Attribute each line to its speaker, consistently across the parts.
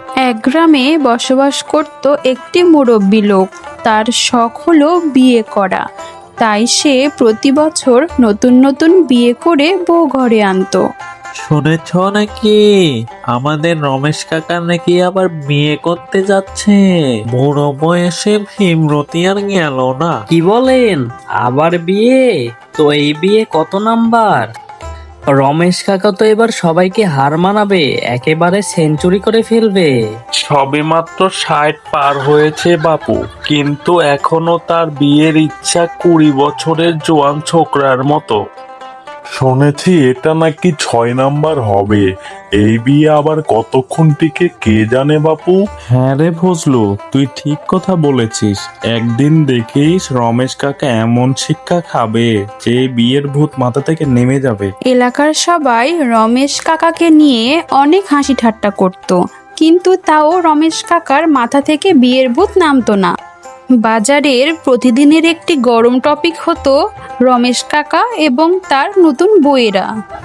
Speaker 1: এক গ্রামে বসবাস করত একটি মুরব্বী লোক। তার শখ হলো বিয়ে করা। তাই সে প্রতি বছর নতুন নতুন বিয়ে করে বউ ঘরে আনতো।
Speaker 2: শুনেছ নাকি আমাদের রমেশ কাকা নাকি আবার বিয়ে করতে যাচ্ছে? বুড়ো বয়সে ভীমরতি আর গেল না।
Speaker 3: কি বলেন? আবার বিয়ে? তো এই বিয়ে কত নাম্বার? রমেশ কাকা তো এবার সবাইকে হার মানাবে, একেবারে সেঞ্চুরি করে ফেলবে।
Speaker 4: সবে মাত্র 60 পার হয়েছে বাপু, কিন্তু এখনো তার বিয়ের ইচ্ছা 20 বছরের জোয়ান ছোকরার মতো। শুনেছি এটা নাকি 6 নাম্বার হবে। এই বিয়ে আবার কতক্ষণ টিকে কে জানে বাপু। হ্যাঁ রে ফজলু, তুই ঠিক কথা বলেছিস। একদিন দেখিস রমেশ কাকা এমন শিক্ষা খাবে যে বিয়ের ভূত মাথা থেকে নেমে যাবে।
Speaker 1: এলাকার সবাই রমেশ কাকাকে নিয়ে অনেক হাসি ঠাট্টা করত, কিন্তু তাও রমেশ কাকার মাথা থেকে বিয়ের ভূত নামতো না। বাজারের প্রতিদিনের একটি গরম টপিক হতো রমেশ কাকা এবং তার নতুন বউয়েরা।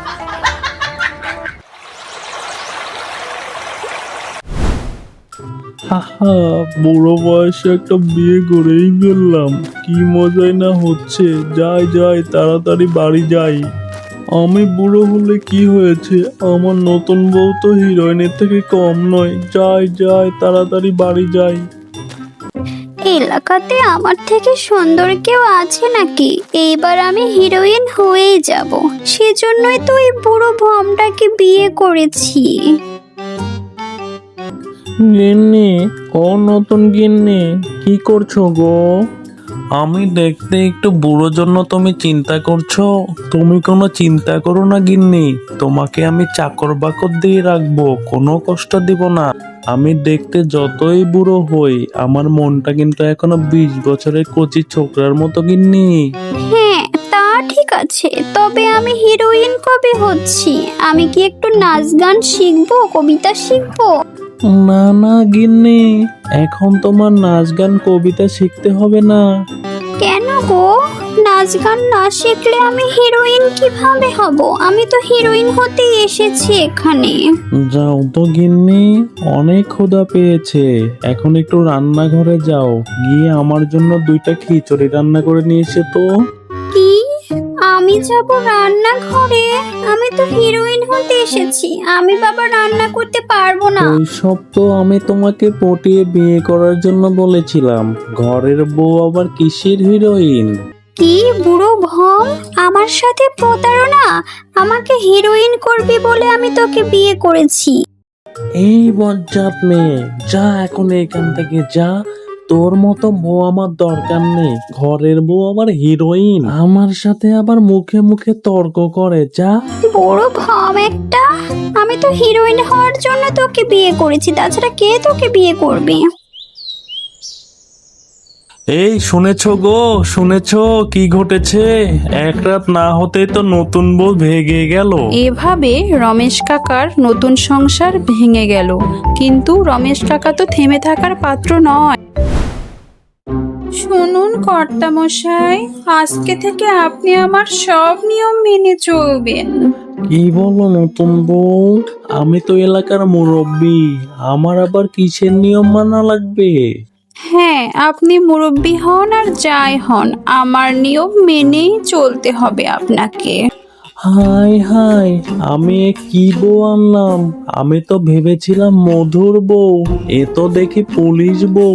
Speaker 4: হাহা, বুড়ো বয়সে একটা বিয়ে করেই ফেললাম। কি মজাই না হচ্ছে। যাই যাই, তাড়াতাড়ি বাড়ি যাই। আমি বুড়ো হলে কি হয়েছে, আমার নতুন বউ তো হিরোইনের থেকে কম নয়। যাই যাই, তাড়াতাড়ি বাড়ি যাই।
Speaker 5: এলাকাতে আমার থেকে সুন্দর কেউ আছে নাকি? এইবার আমি হিরোইন হয়েই যাব। সেজন্যই তো এই বুড়ো ভমটাকে বিয়ে করেছি।
Speaker 4: গিন্নি, ও নতুন গিন্নি, কি করছো গো? আমি দেখতে একটু বুড়ো জন্য তুমি চিন্তা করছো? তুমি কোনো চিন্তা করো না গিন্নি, তোমাকে আমি চাকর বাকর দিয়ে রাখবো, কোনো কষ্ট দিব না। আমি দেখতে যতই বুড়ো হই, আমার মনটা কিন্তু এখনো 20 বছরের কচি ছোকরার মতো গিন্নি।
Speaker 5: হ্যাঁ, তা ঠিক আছে, তবে আমি হিরোইন কবে হচ্ছি? আমি কি একটু নাচ গান শিখবো, কবিতা শিখবো?
Speaker 4: না না গিন্নি, এখন তোমার নাচ গান কবিতা শিখতে হবে না।
Speaker 5: কেন গো? নাচ গান না শিখলে আমি হিরোইন কিভাবে হব? আমি তো হিরোইন হতেই এসেছি এখানে।
Speaker 4: যাও তো গিন্নি, অনেক ক্ষুধা পেয়েছে। এখন একটু রান্নাঘরে যাও, গিয়ে আমার জন্য 2টা খিচুড়ি রান্না করে নিয়ে এসে তো।
Speaker 5: কি? আমি যাব রান্নাঘরে? আমি তো হিরোইন হতে এসেছি, আমি বাবা রান্না করতে পারবো না।
Speaker 4: ওইসব তো আমি তোমাকে পটিয়ে বিয়ে করার জন্য বলেছিলাম। ঘরের বউ আবার কিসের হিরোইন?
Speaker 5: কি বুড়ো ভম, আমার সাথে প্রতারণা? আমাকে হিরোইন করবি বলে আমি তোকে বিয়ে করেছি।
Speaker 4: এই বজ্জাত মেয়ে, যা এখন এখান থেকে যা। তোর মতো বউ আমার দরকার নেই। ঘরের বউ আবার হিরোইন, আমার সাথে আবার মুখে মুখে তর্ক করে। যা।
Speaker 5: বুড়ো ভম একটা, আমি তো হিরোইন হওয়ার জন্য তোকে বিয়ে করেছি, তাছাড়া কে তোকে বিয়ে করবে?
Speaker 4: এই শুনেছো গো, শুনেছো কি ঘটেছে? এক রাত না হতেই তো নতুন বউ ভেগে গেল।
Speaker 1: এভাবে রমেশ কাকার নতুন সংসার ভেঙে গেল, কিন্তু রমেশ কাকা তো থেমে থাকার পাত্র নয়। শুনুন কর্তামশাই, আজকে থেকে আপনি আমার সব নিয়ম মেনে চলবেন।
Speaker 4: কি বলো নতুন বউ? আমি তো এলাকার মুরব্বী, আমার আবার কিসের নিয়ম মানা লাগবে?
Speaker 1: হ্যাঁ, আপনি মুরব্বি হন আর যাই হন, আমার নিয়ম মেনেই চলতে হবে আপনাকে।
Speaker 4: হাই হাই, আমি এ কি বউ আনলাম? আমি তো ভেবেছিলাম মধুর বউ, এ তো দেখি পুলিশ বউ।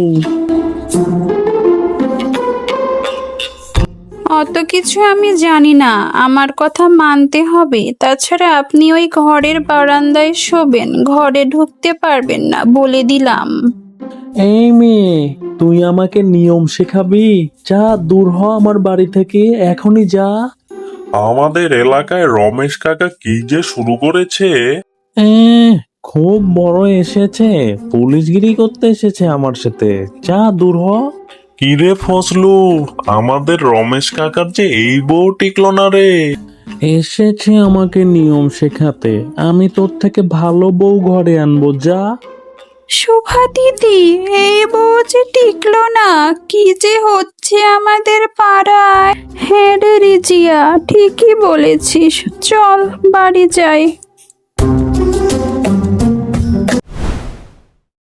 Speaker 1: অত কিছু আমি জানি না, আমার কথা মানতে হবে। তাছাড়া আপনি ওই ঘরের বারান্দায় শোবেন, ঘরে ঢুকতে পারবেন না, বলে দিলাম।
Speaker 4: এই মেয়ে, তুই আমাকে নিয়ম শেখাবি? যা, দূর হ আমার বাড়ি থেকে, এখনই যা।
Speaker 6: আমাদের এলাকায় রমেশ কাকা কি যে শুরু করেছে।
Speaker 4: এ, খুব বড় এসেছে, পুলিশগিরি করতে এসেছে আমার সাথে। যা, দূর হ।
Speaker 6: কিরে ফজলু, আমাদের রমেশ কাকার যে এই বউ টিকলো না রে।
Speaker 4: এসেছে আমাকে নিয়ম শেখাতে। আমি তোর থেকে ভালো বউ ঘরে আনবো। যা।
Speaker 1: শোভা দিদি, এই বউ যে টিকলো না, কি যে হচ্ছে আমাদের পাড়ায়। হ্যাঁ রে রিজিয়া, ঠিকই বলেছিস, চল বাড়ি যাই।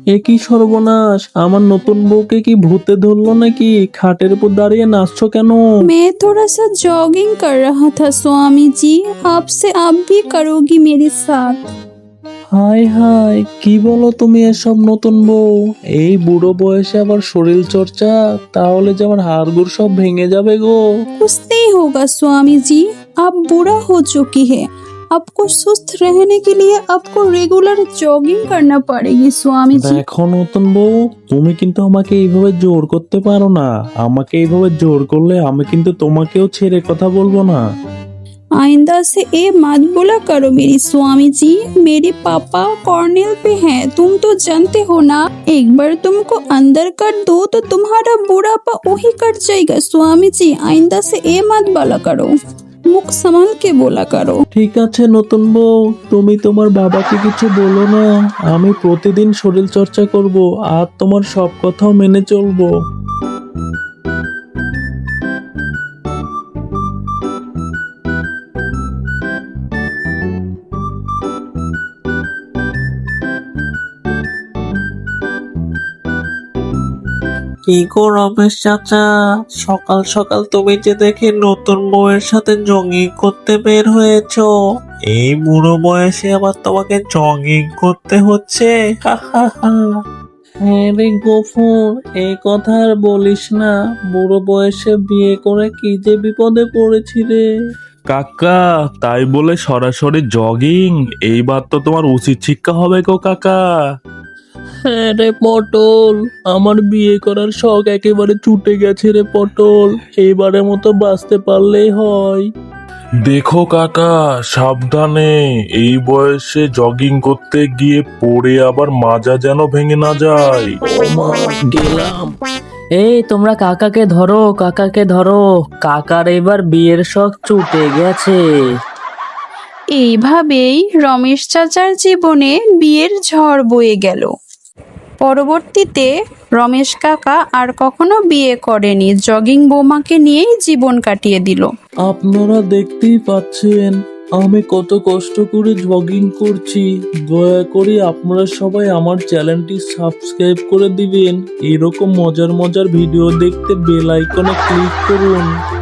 Speaker 2: এ কি সর্বনাশ, আমার নতুন বউকে কি ভূতে ধরলো নাকি? খাটের উপর দাঁড়িয়ে নাচছো কেন?
Speaker 1: मैं थोड़ा सा जॉगिंग कर रहा था स्वामी जी, आपसे आप भी करोगी मेरे साथ?
Speaker 2: হাই হাই, কি বলো তুমি এসব নতুন বউ? এই বুড়ো বয়সে আবার শরীর চর্চা? তাহলে যে আমার হাড়গোড় সব ভেঙে যাবে গো।
Speaker 1: कुछ नहीं होगा स्वामी जी, आप बूढ़ा हो चुकी है, आपको सुस्त रहने के लिए आपको रेगुलर जॉगिंग करना पड़ेगी स्वामी जी।
Speaker 2: দেখো নতুন বউ, তুমি কিন্তু আমাকে এইভাবে জোর করতে পারো না। আমাকে এইভাবে জোর করলে আমি কিন্তু তোমাকেও ছেড়ে কথা বলবো না।
Speaker 1: आइंदा से ए मत बोला करो मेरी स्वामी जी, मेरे पापा कॉर्नेल पे हैं, तुम तो जानते हो ना। एक बार तुमको अंदर कर दो तो तुम्हारा बुढ़ापा वही कट जाएगा स्वामी जी, आइंदा से ए मत बोला करो, मुख संभाल के बोला करो।
Speaker 2: ঠিক আছে নতুন বউ, তুমি তোমার বাবাকে কিছু বলো না। আমি প্রতিদিন শরীর চর্চা করব আর তোমার সব কথাও মেনে চলবো।
Speaker 7: কি গো রমেশ চাচা, সকাল সকাল তুমি যে দেখি নতুন বউয়ের সাথে জগিং করতে বের হয়েছো। এই বুড়ো বয়সে আবার তোমাকে জগিং করতে হচ্ছে, হা হা হা।
Speaker 2: হ্যাঁ রে গফুর, এই কথা আর বলিস না। বুড়ো বয়সে বিয়ে করে কি যে বিপদে পড়েছি রে।
Speaker 4: কাকা, তাই বলে সরাসরি জগিং? এইবার তো তোমার উচিত শিক্ষা হবে গো কাকা।
Speaker 2: হ্যাঁ রে পটল, আমার বিয়ে করার শখ একেবারে ছুটে গেছে রে পটল। এইবারের মতো বাঁচতে পারলেই হয়।
Speaker 4: দেখো কাকা, সাবধানে। এই বয়সে জগিং করতে গিয়ে পড়ে আবার মাজা যেন ভেঙে না যায়।
Speaker 2: ও মা, গেলাম।
Speaker 3: এই তোমরা কাকাকে ধরো, কাকাকে ধরো, কাকার এবার বিয়ের শখ ছুটে গেছে।
Speaker 1: এইভাবেই রমেশ চাচার জীবনে বিয়ের ঝড় বয়ে গেল। পরবর্তীতে রমেশ কাকা আর কখনো বিয়ে করেনি, জগিং বৌমাকে নিয়েই জীবন কাটিয়ে দিল।
Speaker 2: আপনারা দেখতেই পাচ্ছেন আমি কত কষ্ট করে জগিং করছি। দয়া করে আপনারা সবাই আমার চ্যানেলটি সাবস্ক্রাইব করে দিবেন। এরকম মজার মজার ভিডিও দেখতে বেল আইকনে ক্লিক করুন।